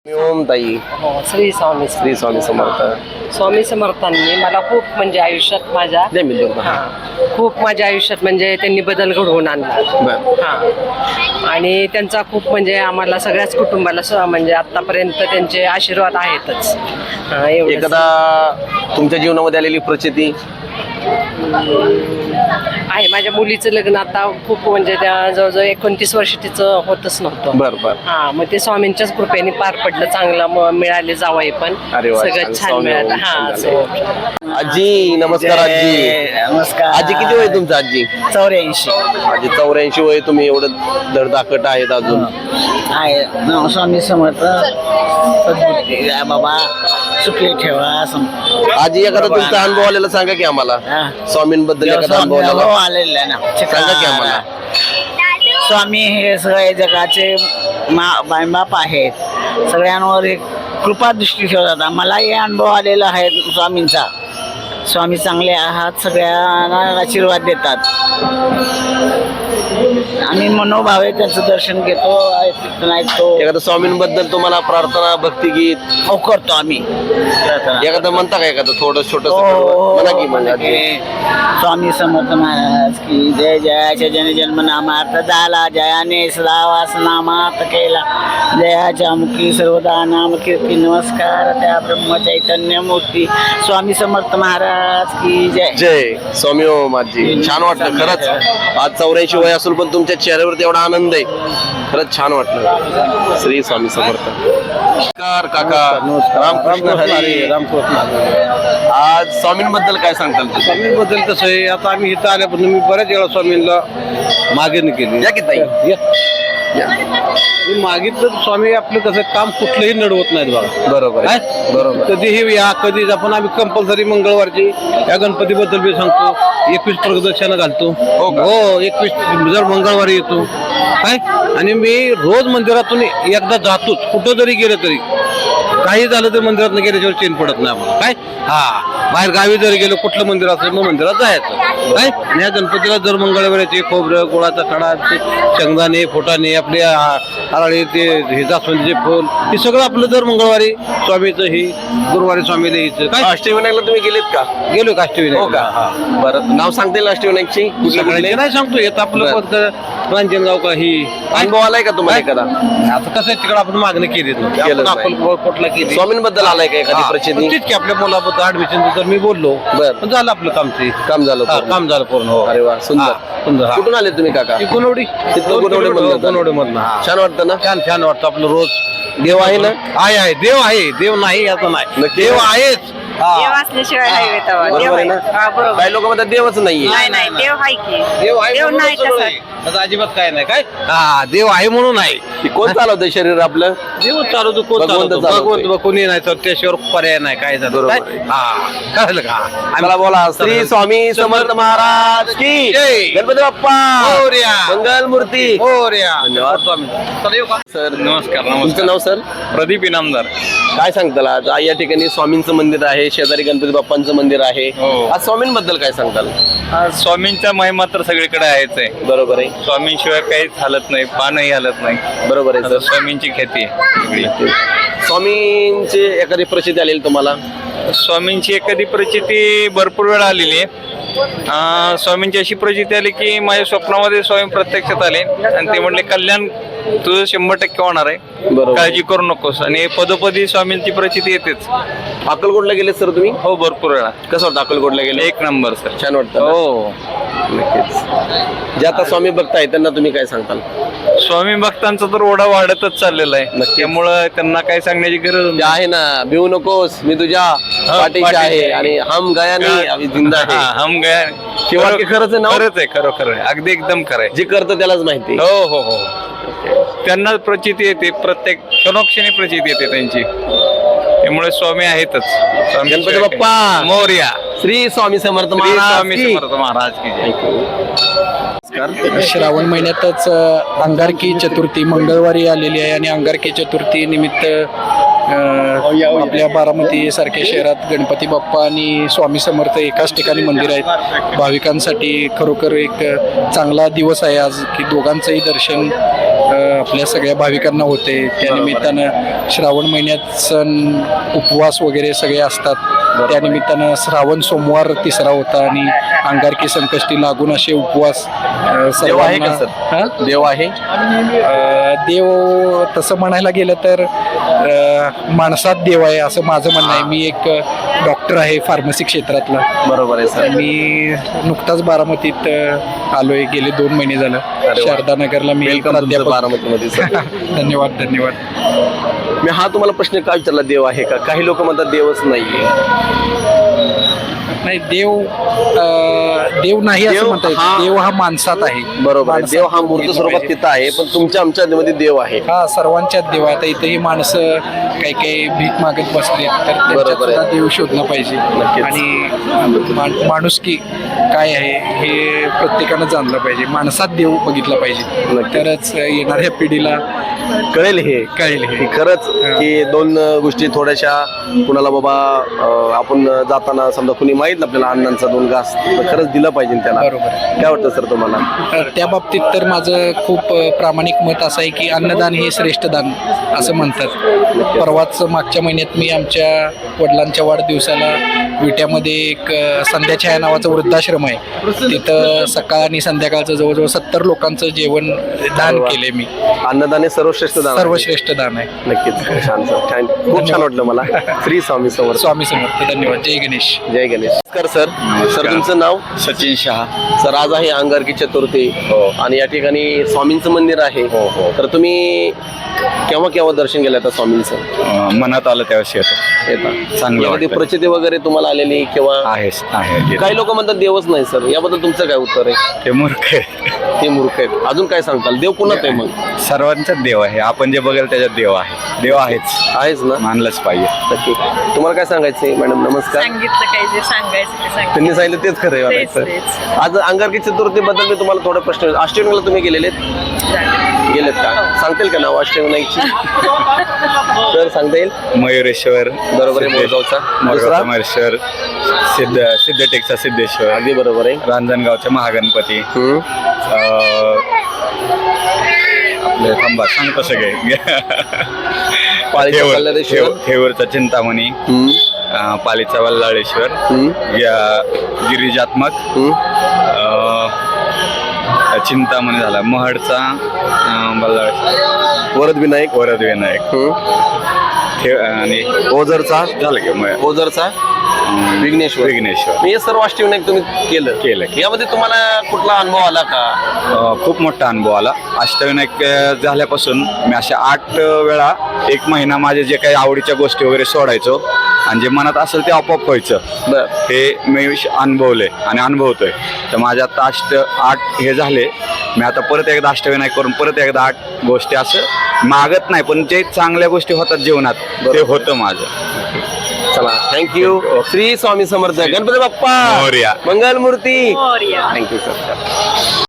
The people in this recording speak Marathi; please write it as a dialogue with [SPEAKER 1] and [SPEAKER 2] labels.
[SPEAKER 1] ओम ताई.
[SPEAKER 2] हो, श्री स्वामी
[SPEAKER 1] श्री स्वामी समर्थ.
[SPEAKER 2] स्वामी समर्थांनी मला खूप म्हणजे आयुष्यात माझ्या
[SPEAKER 1] दे मी देऊ.
[SPEAKER 2] खूप माझ्या आयुष्यात म्हणजे त्यांनी बदल घडवून आणला.
[SPEAKER 1] बर.
[SPEAKER 2] आणि त्यांचा खूप म्हणजे आम्हाला सगळ्याच कुटुंबाला म्हणजे आतापर्यंत त्यांचे आशीर्वाद आहेतच. एवढंच.
[SPEAKER 1] एखादा तुमच्या जीवनामध्ये आलेली प्रचिती
[SPEAKER 2] आहे. माझ्या मुलीचं लग्न आता खूप म्हणजे त्या जवळजवळ 29 वर्ष तिचं होतच नव्हतं.
[SPEAKER 1] बर बर.
[SPEAKER 2] मग ते स्वामींच्याच कृपेने पार पडलं. चांगलं मिळाले जावई पण
[SPEAKER 1] अरे वा,
[SPEAKER 2] सगळं
[SPEAKER 1] छान.
[SPEAKER 2] छान
[SPEAKER 1] स्वामी
[SPEAKER 2] मिळालं.
[SPEAKER 1] छान झालं. आजी नमस्कार. आजी
[SPEAKER 3] नमस्कार.
[SPEAKER 1] आजी किती वय तुमचं आजी?
[SPEAKER 3] 84
[SPEAKER 1] आजी 84 वय. तुम्ही एवढं धडधाकट आहेत अजून.
[SPEAKER 3] आहे. स्वामी समर्थ सद्बुद्धी द्या बाबा, सुखी ठेवा.
[SPEAKER 1] आजी एखादा तुमचा अनुभव आलेला सांगा की आम्हाला. स्वामींबद्दल एखादा अनुभव आलेला
[SPEAKER 3] आलेला आहे ना,
[SPEAKER 1] सांगा की आम्हाला.
[SPEAKER 3] स्वामी हे सगळे जगाचे मायबाप आहेत. सगळ्यांवर एक कृपा दृष्टी ठेवतात. मलाही अनुभव आलेला आहे स्वामींचा. स्वामी चांगले आहात, सगळ्यांना आशीर्वाद देतात. आम्ही मनोभावे त्यांचं दर्शन घेतो, ऐकतो.
[SPEAKER 1] एखादा स्वामींबद्दल तुम्हाला प्रार्थना भक्तिगीत
[SPEAKER 3] हो करतो आम्ही प्रार्थना.
[SPEAKER 1] एखादं म्हणता का? एखादं थोडं छोटं
[SPEAKER 3] हो,
[SPEAKER 1] म्हणा की म्हणजे आजी.
[SPEAKER 3] स्वामी समर्थ महाराज की जय. जयाच्या जन जन्म नामार्थ झाला, जयाने सदावास नामार्थ केला. जयाच्या मुखी सर्वदा नाम कीर्ती. नमस्कार त्या ब्रह्म चैतन्य मूर्ती स्वामी समर्थ महाराज की जय.
[SPEAKER 1] जय स्वामी ओम. आजी छान वाटलं खरंच. आज 84 वय असून पण तुमच्या चेहऱ्यावरती एवढा आनंद आहे. खरंच छान वाटलं. श्री स्वामी समर्थ. नमस्कार काका. रामकृष्ण हरी.
[SPEAKER 4] रामकृष्ण.
[SPEAKER 1] आज स्वामींबद्दल काय सांगताल तुम्ही?
[SPEAKER 4] स्वामींबद्दल कसं आहे, आता आम्ही इथं आल्यापासून मी बऱ्याच वेळा स्वामींना मागणी केली.
[SPEAKER 1] या की ताई. या.
[SPEAKER 4] मी मागितलं स्वामी आपलं कसं काम कुठलंही नडवत नाहीत बघा.
[SPEAKER 1] बरोबर आहे.
[SPEAKER 4] काय?
[SPEAKER 1] बरोबर.
[SPEAKER 4] कधीही या कधी आपण आम्ही कंपल्सरी मंगळवारची या गणपतीबद्दल मी सांगतो. 21 प्रदक्षिणा घालतो.
[SPEAKER 1] हो का?
[SPEAKER 4] हो 21 जर मंगळवारी येतो काय. आणि मी रोज मंदिरातून एकदा जातोच. कुठं जरी गेलं तरी काही झालं तर मंदिरात गेल्याच्यावर चेन पडत नाही आम्हाला. काय बाहेर गावी जर गेलो कुठलं मंदिर असेल मग मंदिरात जायचं. काय आणि या गणपतीला जर मंगळवारचे खोबरं गोळाचा खडा शेंगदाणे फुटाणे आपले हराळी ते हे जास्वंदीचे फुल हे सगळं आपलं दर मंगळवारी स्वामीचं ही गुरुवारी स्वामीला हिचं काय.
[SPEAKER 1] अष्टविनायकला तुम्ही गेलेत का?
[SPEAKER 4] गेलो का अष्टविनायक?
[SPEAKER 1] हो का? बरं नाव सांगता येईल अष्टविनायकची?
[SPEAKER 4] सगळ्यांचे नाही सांगतो येत आपलं फक्त रांजणगाव का ही
[SPEAKER 1] अनुभव आलाय का तुम्हाला एखादा?
[SPEAKER 4] आता कसं आहे तिकडे आपण मागणी केली
[SPEAKER 1] केलंच
[SPEAKER 4] आपण कुठला केली.
[SPEAKER 1] स्वामींबद्दल आलाय का एखादी प्रचिती?
[SPEAKER 4] तेच की आपल्या मुलाबद्दल ऍडमिशन तर मी बोललो.
[SPEAKER 1] बरं.
[SPEAKER 4] पण झालं आपलं काम ते.
[SPEAKER 1] काम झालं पूर्ण?
[SPEAKER 4] काम झालं पूर्ण. हो.
[SPEAKER 1] अरे वा सुंदर.
[SPEAKER 4] सुंदर.
[SPEAKER 1] कुठून आले तुम्ही काका?
[SPEAKER 4] गुणवडी.
[SPEAKER 1] तिथलं गुणवडीमधनं.
[SPEAKER 4] गुणवडीमधनं.
[SPEAKER 1] छान वाटतं ना?
[SPEAKER 4] छान छान वाटतं आपलं रोज.
[SPEAKER 1] देव आहे ना?
[SPEAKER 4] आहे देव आहे. देव नाही असं नाही.
[SPEAKER 1] नक्की.
[SPEAKER 4] देव आहेच.
[SPEAKER 2] देव असल्याशिवाय नाही येत आवा. देव
[SPEAKER 1] बरोबर आहे
[SPEAKER 2] आहे.
[SPEAKER 1] ना?
[SPEAKER 2] बरोबर.
[SPEAKER 1] काही लोक म्हणतात देवच नाहीये.
[SPEAKER 2] नाही देव आहे की.
[SPEAKER 4] देव आहे
[SPEAKER 2] देव
[SPEAKER 4] म्हणून
[SPEAKER 2] नाही
[SPEAKER 4] सगळं
[SPEAKER 2] तसं.
[SPEAKER 4] आहे. तसं अजिबात काय नाही. काय देव आहे म्हणून आहे.
[SPEAKER 1] की कोण चालवतंय शरीर आपलं?
[SPEAKER 4] देव चालवतो. कोण
[SPEAKER 1] भगवंत
[SPEAKER 4] चालवतो?
[SPEAKER 1] चालवतोय.
[SPEAKER 4] भगवंत कोणी नाही तर त्याशिवाय पर्याय नाही. काय झालं
[SPEAKER 1] बरोबर
[SPEAKER 4] काय.
[SPEAKER 1] आहे.
[SPEAKER 4] कळलं का.
[SPEAKER 1] आम्हाला बोला. श्री स्वामी समर्थ महाराज की
[SPEAKER 4] जय.
[SPEAKER 1] गणपती बाप्पा
[SPEAKER 4] मोरया.
[SPEAKER 1] मंगल मूर्ती.
[SPEAKER 4] धन्यवाद स्वामी. चला येऊ का?
[SPEAKER 1] सर
[SPEAKER 5] नमस्कार.
[SPEAKER 1] तुमचं नाव सर?
[SPEAKER 5] प्रदीप इनामदार.
[SPEAKER 1] काय सांगताल आज? या ठिकाणी स्वामींचं मंदिर आहे, शेजारी गणपती बाप्पांचं मंदिर आहे.
[SPEAKER 5] हो.
[SPEAKER 1] आज स्वामींबद्दल काय सांगताल?
[SPEAKER 5] स्वामींचा महिमा तर सगळीकडे आहेच आहे.
[SPEAKER 1] बरोबर आहे.
[SPEAKER 5] स्वामींशिवाय काहीच हालत नाही, पानही हालत नाही.
[SPEAKER 1] बरोबर आहे
[SPEAKER 5] आता
[SPEAKER 1] सर.
[SPEAKER 5] स्वामींची ख्याती आहे सगळी.
[SPEAKER 1] स्वामींची एखादी प्रचिती आलेली तुम्हाला?
[SPEAKER 5] स्वामींची एखादी प्रचिती भरपूर वेळा आलेली आहे. स्वामींची अशी प्रचिती आली की माझ्या स्वप्नामध्ये स्वामी प्रत्यक्षात आले आणि ते म्हणले कल्याण तुझं 100% होणार आहे,
[SPEAKER 1] बरोबर.
[SPEAKER 5] काळजी करू नकोस. आणि पदोपदी स्वामींची प्रचिती येतेच.
[SPEAKER 1] अक्कलकोटला गेले सर तुम्ही?
[SPEAKER 5] हो भरपूर वेळा.
[SPEAKER 1] कसं वाटतं अक्कलकोटला गेले?
[SPEAKER 5] 1 नंबर सर.
[SPEAKER 1] छान वाटतं ना?
[SPEAKER 5] हो.
[SPEAKER 1] नक्कीच. जे आता स्वामी भक्त त्यांना तुम्ही काय सांगताल?
[SPEAKER 5] स्वामी भक्तांचा तर ओढा वाढतच चाललेला आहे.
[SPEAKER 1] नक्कीच.
[SPEAKER 5] त्यामुळं त्यांना काय सांगण्याची गरज
[SPEAKER 1] जे
[SPEAKER 5] नाही.
[SPEAKER 1] आहे ना, भिवू नकोस मी तुझ्या पाठीशी
[SPEAKER 5] पाठीशी
[SPEAKER 1] आहे
[SPEAKER 5] आहे.
[SPEAKER 1] आणि हम गया नाही अभी जिंदा
[SPEAKER 5] हा,
[SPEAKER 1] आहे.
[SPEAKER 5] हम गया.
[SPEAKER 1] हे वाक्य खरंच आहे ना?
[SPEAKER 5] खरंच आहे. खरोखर आहे. अगदी एकदम खरं आहे.
[SPEAKER 1] जे करतं त्यालाच माहिती.
[SPEAKER 5] हो हो हो. त्यांना प्रचिती येते. प्रत्येक क्षणोक्षणी प्रचिती येते त्यांची. त्यामुळे स्वामी आहेतच.
[SPEAKER 1] गणपती बाप्पा
[SPEAKER 5] मोरया.
[SPEAKER 1] श्री स्वामी समर्थ
[SPEAKER 5] श्री
[SPEAKER 1] महाराज
[SPEAKER 5] स्वामी
[SPEAKER 1] की.
[SPEAKER 5] समर्थ महाराज की जय.
[SPEAKER 6] श्रावण महिन्यातच अंगारकी चतुर्थी मंगळवारी आलेली आहे आणि अंगारकी चतुर्थी निमित्त आपल्या बारामती सारख्या शहरात गणपती बाप्पा आणि स्वामी समर्थ एकाच ठिकाणी मंदिर आहेत. भाविकांसाठी खरोखर एक चांगला दिवस आहे आज की दोघांचंही दर्शन आपल्या सगळ्या भाविकांना होते. त्यानिमित्तानं श्रावण महिन्यात सण उपवास वगैरे सगळे असतात. त्यानिमित्तानं श्रावण सोमवार तिसरा होता आणि अंगारकी संकष्टी लागून असे उपवास
[SPEAKER 1] देव आहे का
[SPEAKER 6] सर्वांना
[SPEAKER 1] सर? देव आहे?
[SPEAKER 6] देव तसं म्हणायला गेलं तर माणसात देव आहे असं माझं म्हणणं आहे. मी एक डॉक्टर आहे फार्मसी क्षेत्रातला.
[SPEAKER 1] बरोबर आहे सर.
[SPEAKER 6] मी नुकताच बारामतीत आलोय, गेले 2 महिने झालं.
[SPEAKER 1] वा.
[SPEAKER 6] शारदा नगरला मी
[SPEAKER 1] वेलकम तुमचं
[SPEAKER 6] प्राध्यापक.
[SPEAKER 1] बारामतीमध्ये सर.
[SPEAKER 6] धन्यवाद धन्यवाद.
[SPEAKER 1] मी हा तुम्हाला प्रश्न का विचारला, देव आहे का? काही लोक म्हणतात देवच नाहीये.
[SPEAKER 6] नाही, देव नाही असं
[SPEAKER 1] देव
[SPEAKER 6] म्हणता येत.
[SPEAKER 1] हा-
[SPEAKER 6] देव हा माणसात आहे.
[SPEAKER 1] बरोबर आहे.
[SPEAKER 6] माणसात
[SPEAKER 1] देव हा मूर्त
[SPEAKER 6] बघितलं
[SPEAKER 1] स्वरूपात
[SPEAKER 6] पाहिजे.
[SPEAKER 1] तिथं आहे, पण तुमच्या आमच्या मध्ये देव आहे.
[SPEAKER 6] हा सर्वांच्याच देव आहे. आता इथेही माणसं काही काही भीक मागत बसले तर त्यांच्यात
[SPEAKER 1] बरोबर आहे.
[SPEAKER 6] सुद्धा देव शोधला पाहिजे.
[SPEAKER 1] नक्कीच.
[SPEAKER 6] आणि माणुसकी काय आहे हे प्रत्येकानं जाणलं पाहिजे. माणसात देव बघितला पाहिजे,
[SPEAKER 1] नक्कीच.
[SPEAKER 6] तरच येणाऱ्या पिढीला
[SPEAKER 1] कळेल हे
[SPEAKER 6] कळेल हे.
[SPEAKER 1] की खरंच की दोन गोष्टी थोड्याशा कुणाला बाबा आपण जाताना समजा कुणी माहितलं आपल्याला अण्णांचा 2 घास, तर खरंच दिलं पाहिजे त्याला.
[SPEAKER 6] बरोबर आहे.
[SPEAKER 1] काय वाटतं सर तुम्हाला?
[SPEAKER 6] त्या बाबतीत तर माझं खूप प्रामाणिक मत असं आहे की अन्नदान हे श्रेष्ठ दान असं म्हणतात. परवाच मागच्या महिन्यात मी आमच्या वडिलांच्या वाढदिवसाला विट्यामध्ये एक संध्याछाया नावाचं वृद्धाश्रम आहे. तिथं सकाळ आणि संध्याकाळचं जवळजवळ 70 लोकांचं जेवण दान केले मी.
[SPEAKER 1] अन्नदान हे सर्वश्रेष्ठ दान आहे.
[SPEAKER 6] सर्वश्रेष्ठ दान आहे.
[SPEAKER 1] नक्कीच. छान सर, छान. खूप छान वाटलं मला. श्री स्वामी समर्थ.
[SPEAKER 6] स्वामी समर्थ. धन्यवाद. जय गणेश.
[SPEAKER 1] जय गणेश. नमस्कार सर. सर तुमचं नाव?
[SPEAKER 5] सचिन शहा.
[SPEAKER 1] सर आज आहे अंगारकी चतुर्थी
[SPEAKER 5] हो.
[SPEAKER 1] आणि या ठिकाणी स्वामींचं मंदिर आहे.
[SPEAKER 5] हो, हो.
[SPEAKER 1] तर तुम्ही केव्हा केव्हा दर्शन केलं आता स्वामींचं?
[SPEAKER 5] मनात आलं त्यावेळेस येतो.
[SPEAKER 1] येतात
[SPEAKER 5] चांगलं
[SPEAKER 1] यामध्ये
[SPEAKER 5] वाटतं.
[SPEAKER 1] प्रचिती वगैरे तुम्हाला आलेली किंवा?
[SPEAKER 5] आहे
[SPEAKER 1] काही लोक म्हणतात देवच नाही सर, याबद्दल तुमचं काय उत्तर आहे?
[SPEAKER 5] ते मूर्ख आहे.
[SPEAKER 1] ते मूर्ख आहेत. अजून काय सांगताल? देव कुणात आहे मग?
[SPEAKER 5] सर्वांचाच देव आहे. आपण जे बघेल त्याच्यात देव आहे. देव आहेच,
[SPEAKER 1] आहेच ना?
[SPEAKER 5] मानलंच पाहिजे.
[SPEAKER 1] नक्की. तुम्हाला काय सांगायचंय मॅडम? नमस्कार.
[SPEAKER 7] सांगितलं काय जे सांगायचं ते सांगितलं.
[SPEAKER 1] त्यांनी सांगितलं तेच खरं आहे
[SPEAKER 7] तेच,
[SPEAKER 1] म्हणायचं.
[SPEAKER 7] तेच.
[SPEAKER 1] आज अंगारकी चतुर्थीबद्दल मी तुम्हाला थोडा प्रश्न, अष्टविनायकला तुम्ही गेलेत का? सांगतील का नाव अष्टविनायकची? तर सांगता येईल?
[SPEAKER 5] मयुरेश्वर
[SPEAKER 1] बरोबर आहे. मोरगावचा. दुसरा?
[SPEAKER 5] मयुरेश्वर, सिद्धटेकचा सिद्धेश्वर,
[SPEAKER 1] अगदी बरोबर आहे.
[SPEAKER 5] रांजणगावचा महागणपती, आपले थांबा सांगतो सगळे.
[SPEAKER 1] पाळीचा कल्लारेश्वर.
[SPEAKER 5] थेऊरचा चिंतामणी, पालीचा वल्लाळेश्वर, गिरिजात्मक, चिंतामणी झाला, महडचा वल्लाळेश्वर,
[SPEAKER 1] वरद
[SPEAKER 5] वरदविनायक, आणि
[SPEAKER 1] ओझरचा
[SPEAKER 5] झालं की
[SPEAKER 1] ओझरचा विघ्नेश्वर.
[SPEAKER 5] विघ्नेश्वर.
[SPEAKER 1] मी हे सर्व अष्टविनायक तुम्ही केलं. यामध्ये तुम्हाला कुठला अनुभव आला का?
[SPEAKER 5] खूप मोठा अनुभव आला. अष्टविनायक झाल्यापासून मी अशा 8 वेळा 1 महिना माझे जे काही आवडीच्या गोष्टी वगैरे सोडायचो आणि जे मनात असेल ते आपोआप व्हायचं.
[SPEAKER 1] बर.
[SPEAKER 5] हे मी अनुभवलंय आणि अनुभवतोय. तर माझ्या आता 8 हे झाले. मी आता परत एकदा अष्टविनायक करून परत एकदा 8 गोष्टी असं मागत नाही, पण जे चांगल्या गोष्टी होतात जीवनात ते होतं माझं.
[SPEAKER 1] चला, thank you. Shri Swami Samarth. Ganpati Bappa
[SPEAKER 5] Morya.
[SPEAKER 1] Mangalmurti.
[SPEAKER 7] Morya.
[SPEAKER 1] Thank you sir.